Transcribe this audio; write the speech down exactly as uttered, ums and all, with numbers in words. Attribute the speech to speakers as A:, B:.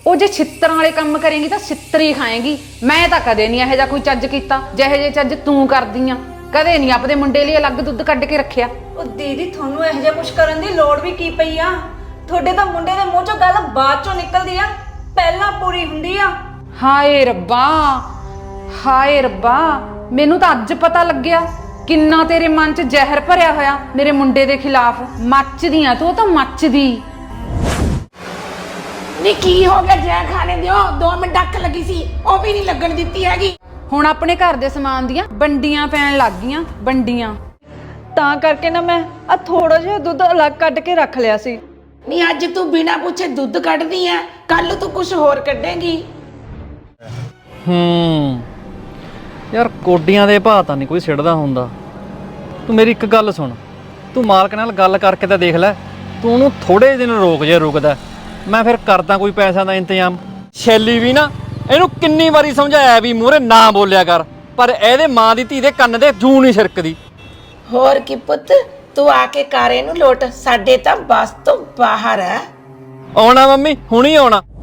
A: ਉਹ ਜੇ ਛਿੱਤਰਾਂ ਵਾਲੇ ਕੰਮ ਕਰੇਂਗੀ ਤਾਂ ਛਿੱਤਰ ਹੀ ਖਾਏਂਗੀ। ਮੈਂ ਤਾਂ ਕਦੇ ਨਹੀਂ ਇਹੋ ਜਿਹਾ ਕੋਈ ਚੱਜ ਕੀਤਾ ਜਿਹੇ ਜੇ ਚੱਜ ਤੂੰ ਕਰਦੀ ਆ। ਕਦੇ ਨਹੀਂ ਆਪਦੇ ਮੁੰਡੇ ਲਈ ਅਲੱਗ ਦੁੱਧ ਕੱਢ ਕੇ ਰੱਖਿਆ।
B: ਉਹ ਦੀਦੀ ਤੁਹਾਨੂੰ ਇਹੋ ਜਿਹਾ ਕੁਝ ਕਰਨ ਦੀ ਲੋੜ ਵੀ ਕੀ ਪਈ ਆ? ਤੁਹਾਡੇ ਤਾਂ ਮੁੰਡੇ ਦੇ ਮੂੰਹ ਚੋਂ ਗੱਲ ਬਾਅਦ ਚੋਂ ਨਿਕਲਦੀ ਆ, ਪਹਿਲਾਂ ਪੂਰੀ ਹੁੰਦੀ ਆ।
A: ਹਾਏ ਰੱਬਾ, ਹਾਏ ਰੱਬਾ, ਮੈਨੂੰ ਤਾਂ ਅੱਜ ਪਤਾ ਲੱਗਿਆ ਕਿੰਨਾ ਤੇਰੇ ਮਨ 'ਚ ਜ਼ਹਿਰ ਭਰਿਆ ਹੋਇਆ ਮੇਰੇ ਮੁੰਡੇ ਦੇ ਖਿਲਾਫ। ਮੱਚਦੀ ਆ ਤੂੰ ਤਾਂ ਮੱਚਦੀ।
C: ਨੀ ਕੀ ਹੋ ਗਿਆ? ਜੈ ਖਾਣੇ ਦਿਓ, ਦੋ ਮਿੰਟ ਅੱਖ ਲੱਗੀ ਸੀ ਉਹ ਵੀ ਨਹੀਂ ਲੱਗਣ ਦਿੱਤੀ ਹੈਗੀ।
A: ਹੁਣ ਆਪਣੇ ਘਰ ਦੇ ਸਮਾਨ ਦੀਆਂ ਵੰਡੀਆਂ ਪੈਣ ਲੱਗ ਗਈਆਂ, ਵੰਡੀਆਂ।
B: ਤਾਂ ਕਰਕੇ ਨਾ ਮੈਂ ਆ ਥੋੜਾ ਜਿਹਾ ਦੁੱਧ ਅਲੱਗ ਕੱਢ ਕੇ ਰੱਖ ਲਿਆ ਸੀ।
C: ਨੀ ਅੱਜ ਤੂੰ ਬਿਨਾਂ ਪੁੱਛੇ ਦੁੱਧ ਕੱਢਦੀ ਐ, ਕੱਲ ਤੂੰ ਕੁਝ ਹੋਰ ਕੱਢੇਂਗੀ।
D: ਹੂੰ ਯਾਰ ਕੋਡੀਆਂ ਦੇ ਭਾਅ ਤਾਂ ਨਹੀਂ ਕੋਈ ਸਿੱਟਦਾ ਹੁੰਦਾ। ਤੂੰ ਮੇਰੀ ਇੱਕ ਗੱਲ ਸੁਣ, ਤੂੰ ਮਾਲਕ ਨਾਲ ਗੱਲ ਕਰਕੇ ਤਾਂ ਦੇਖ ਲੈ। ਤੂੰ ਉਹਨੂੰ ਥੋੜੇ ਦਿਨ ਰੋਕ ਜੇ ਰੁਕਦਾ, ਮੈਂ ਫਿਰ ਕਰਦਾ ਕੋਈ ਪੈਸਾ ਦਾ ਇੰਤਜ਼ਾਮ। ਸ਼ੈਲੀ ਵੀ ਨਾ ਇਹਨੂੰ ਕਿੰਨੀ ਵਾਰੀ ਸਮਝਾਇਆ ਵੀ ਮੂਹਰੇ ਨਾ ਬੋਲਿਆ ਕਰ, ਪਰ ਇਹਦੇ ਮਾਂ ਦੀ ਧੀ ਦੇ ਕੰਨ ਦੇ ਜੂੰ ਨਹੀਂ ਛਿਰਕਦੀ।
C: ਹੋਰ ਕੀ ਪੁੱਤ, ਤੂੰ ਆ ਕੇ ਕਰ ਇਹਨੂੰ ਲੋਟ, ਸਾਡੇ ਤਾਂ ਬਸ ਤੋਂ ਬਾਹਰ ਐ।
D: ਆਉਣਾ ਮੰਮੀ, ਹੁਣੀ ਆਉਣਾ।